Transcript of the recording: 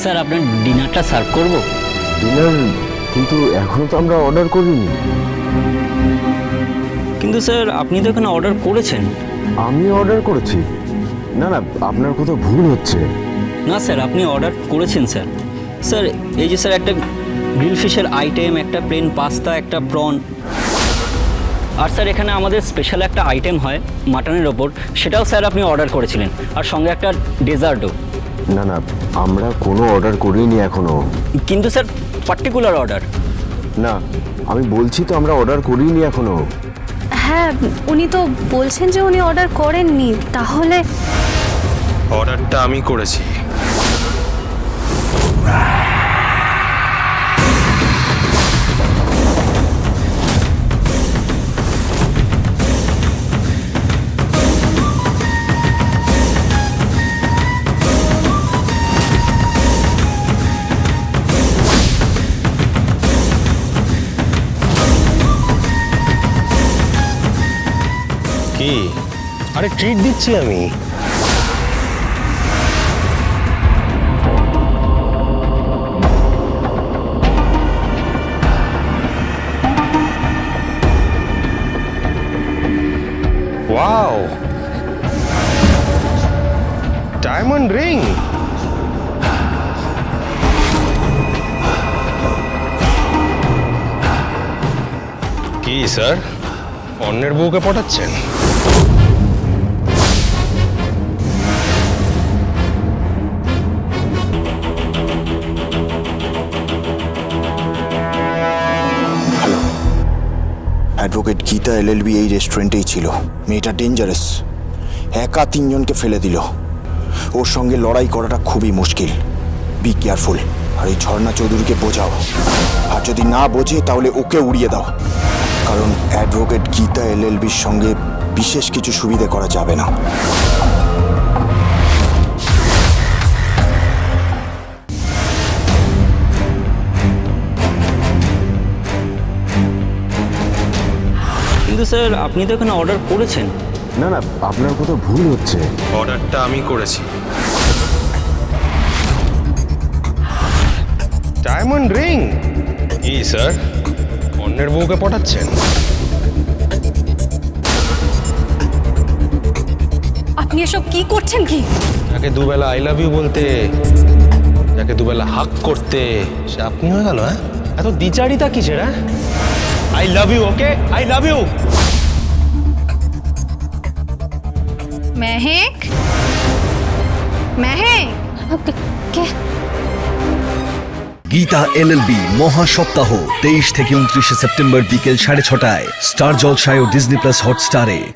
Sir আপনার ডিনারটা serve করব। ডিনার? কিন্তু এখনো তো আমরা অর্ডার করিনি। কিন্তু স্যার আপনি তো এখানে অর্ডার করেছেন। আমি অর্ডার করেছি? না না, আপনার কোথাও ভুল হচ্ছে। না স্যার, আপনি অর্ডার করেছেন স্যার। স্যার এই যে স্যার একটা গ্রিল ফিশের আইটেম, একটা প্লেন পাস্তা, একটা প্রন, আর স্যার এখানে আমাদের স্পেশাল একটা আইটেম হয় মাটনের ওপর, সেটাও স্যার আপনি অর্ডার করেছিলেন, আর সঙ্গে একটা ডেজার্টও। না না, আমরা কোনো অর্ডার করিনি এখনো। কিন্তু স্যার পার্টিকুলার অর্ডার। না, আমি বলছি তো আমরা অর্ডার করিনি এখনো। হ্যাঁ, উনি তো বলছেন যে উনি অর্ডার করেননি। তাহলে অর্ডারটা আমি করেছি। কি? আরে ট্রিট দিচ্ছি আমি। Wow, diamond ring. কি স্যার, অন্যের বউকে পটাচ্ছেন? অ্যাডভোকেট গীতা এলএলবি এই রেস্টুরেন্টেই ছিল। মেয়েটা ডেঞ্জারাস, একা তিনজনকে ফেলে দিল। ওর সঙ্গে লড়াই করাটা খুবই মুশকিল। Be careful. আর এই ঝর্ণা চৌধুরীকে বোঝাও, আর যদি না বোঝে তাহলে ওকে উড়িয়ে দাও, কারণ অ্যাডভোকেট গীতা এলএলবির সঙ্গে বিশেষ কিছু সুবিধে করা যাবে না। কিন্তু স্যার আপনি তো এখানে অর্ডার করেছেন। না না, আপনার কোথাও ভুল হচ্ছে। অর্ডারটা আমি করেছি। Diamond ring? কি স্যার, অন্যের বউকে পটাচ্ছেন? আপনি এসব কি করছেন? কি যাকে দুবেলা আই লাভ ইউ বলতে, যাকে দুবেলা হাক করতে, সে আপনি হয়ে গেল? হ্যাঁ, এত দ্বিচারিতা কিসের? হ্যাঁ, I love you, okay, I love you. Mehek, Mehek, কে? গীতা এলএলবি মহা সপ্তাহ 23 থেকে 29 সেপ্টেম্বর বিকেল 6:30টায় স্টার জলসায় ও ডিজনি প্লাস হটস্টারে।